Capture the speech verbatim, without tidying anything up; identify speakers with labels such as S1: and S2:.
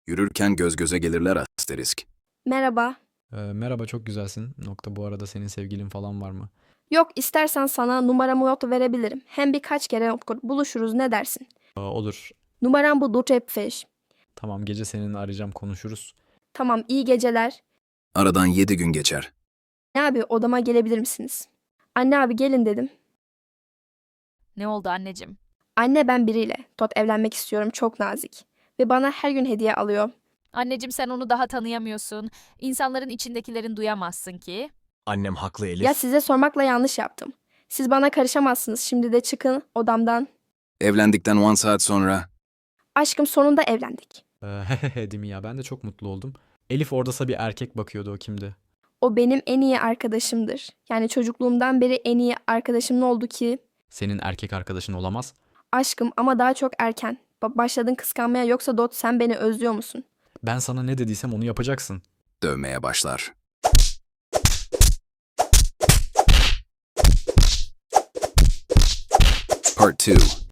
S1: Yürürken göz göze gelirler asterisk.
S2: Merhaba.
S3: Ee, merhaba, çok güzelsin. Nokta, bu arada senin sevgilin falan var mı?
S2: Yok istersen sana numaramı not verebilirim. Hem birkaç kere buluşuruz ne dersin?
S3: Aa, olur.
S2: Numaram bu Dutepfeş.
S3: Tamam, gece seninle arayacağım, konuşuruz.
S2: Tamam iyi geceler.
S1: Aradan yedi gün geçer.
S2: Ne abi odama gelebilir misiniz? Anne abi gelin dedim.
S4: Ne oldu anneciğim?
S2: Anne ben biriyle. Tot evlenmek istiyorum çok nazik. Ve bana her gün hediye alıyor.
S4: Anneciğim sen onu daha tanıyamıyorsun. İnsanların içindekilerin duyamazsın ki.
S5: Annem haklı Elif.
S2: Ya size sormakla yanlış yaptım. Siz bana karışamazsınız. Şimdi de çıkın odamdan.
S1: Evlendikten on saat sonra
S2: Aşkım sonunda evlendik.
S3: Ee, Hehehe değil mi ya? Ben de çok mutlu oldum. Elif oradasa bir erkek bakıyordu, o kimdi?
S2: O benim en iyi arkadaşımdır. Yani çocukluğumdan beri en iyi arkadaşım ne oldu ki?
S3: Senin erkek arkadaşın olamaz.
S2: Aşkım ama daha çok erken. Ba- başladın kıskanmaya yoksa Dot sen beni özlüyor musun?
S3: Ben sana ne dediysem onu yapacaksın.
S1: dövmeye başlar. Part two.